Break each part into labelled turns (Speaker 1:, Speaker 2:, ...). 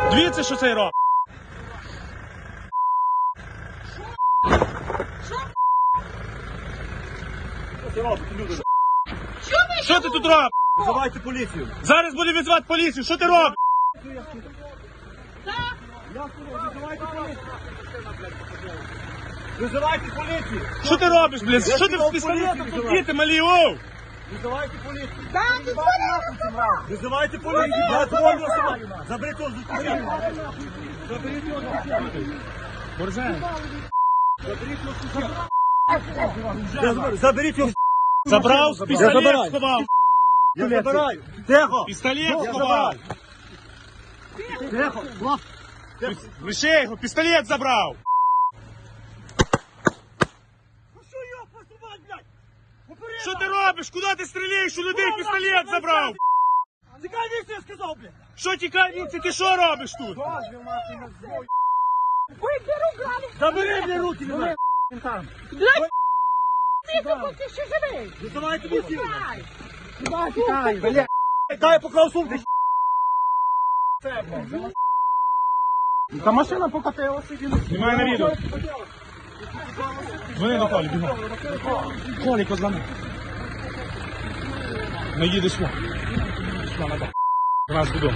Speaker 1: Дивіться, що цей робить. Що ти тут робиш?
Speaker 2: Визивайте поліцію.
Speaker 1: Зараз буде відзвати поліцію. Що ти робиш?
Speaker 2: Визивайте поліцію. Визивайте поліцію.
Speaker 1: Що ти робиш, блядь? Що ти з пістолетом тут діти малі, оу?
Speaker 2: Визивайте поліцію. Визивайте поліцію. Я дзвоню особа. Заберіть його з дитини. Заберіть його з дитини.
Speaker 1: Борзен.
Speaker 2: Заберіть його.
Speaker 1: Забрав,
Speaker 2: Я
Speaker 1: пістолет
Speaker 2: забираю.
Speaker 1: сховав.
Speaker 2: Я забираю. Тихо.
Speaker 1: Пістолет сховав.
Speaker 2: Тихо.
Speaker 1: Лише його, пістолет забрав.
Speaker 2: Що його посувати, блядь? Попереду.
Speaker 1: Що ти робиш? Куди ти стріляєш? У людей пістолет забрав.
Speaker 2: Тікай віці, я сказав, блядь.
Speaker 1: Що тікай віці? Ти що робиш тут?
Speaker 2: Забери мені руки, блядь.
Speaker 3: Ти ще живий?
Speaker 2: Визивайте поліцію.
Speaker 3: Тікай, блядь.
Speaker 2: Дай я поклав сумку.
Speaker 1: Та машина покатилася. Немає на відео. Дзвони до Колі, бігом. Колі, позвони. Не їдеш сюди. Сюди, надо. До нас додому.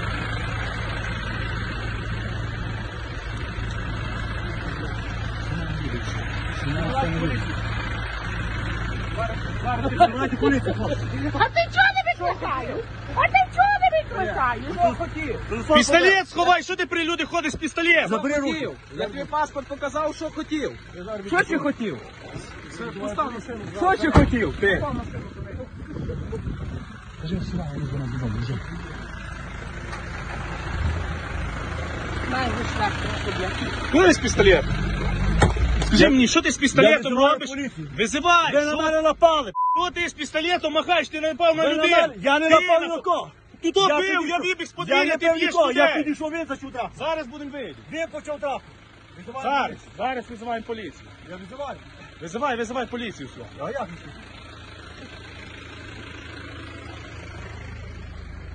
Speaker 2: Визивайте поліцію, хлопці.
Speaker 3: А ти чого не викликаєш? А ти чого не викликаєш?
Speaker 1: Пістолет сховай, що ти при люди ходиш з пістолетом?
Speaker 2: Забери руки.
Speaker 4: Я тобі паспорт показав, що хотів. Що ти хотів? Що ти хотів? Ти?
Speaker 1: Куди з пістолет? Скажи мені, що ти з пістолетом
Speaker 2: визиваю
Speaker 1: робиш?
Speaker 2: поліцію.
Speaker 1: Визивай!
Speaker 2: Ви на мене напали.
Speaker 1: Що ти з пістолетом махаєш? Ти не напав на
Speaker 2: Ви на
Speaker 1: людей!
Speaker 2: мене- Я не
Speaker 1: Ти
Speaker 2: напав ні на кого.
Speaker 1: Ти то
Speaker 2: Я
Speaker 1: бив,
Speaker 2: підійшов.
Speaker 1: я вибіг з
Speaker 2: Я
Speaker 1: подвір'я,
Speaker 2: не
Speaker 1: ти
Speaker 2: бив
Speaker 1: б'єш
Speaker 2: нікого, я
Speaker 1: людей!
Speaker 2: підійшов, він зачув трапу.
Speaker 1: Зараз будемо вийти.
Speaker 2: Він почав трапу. Визивайте
Speaker 1: Зараз,
Speaker 2: поліцію.
Speaker 1: зараз визиваємо поліцію.
Speaker 2: Я визиваю.
Speaker 1: Визивай поліцію сюди.
Speaker 2: А як?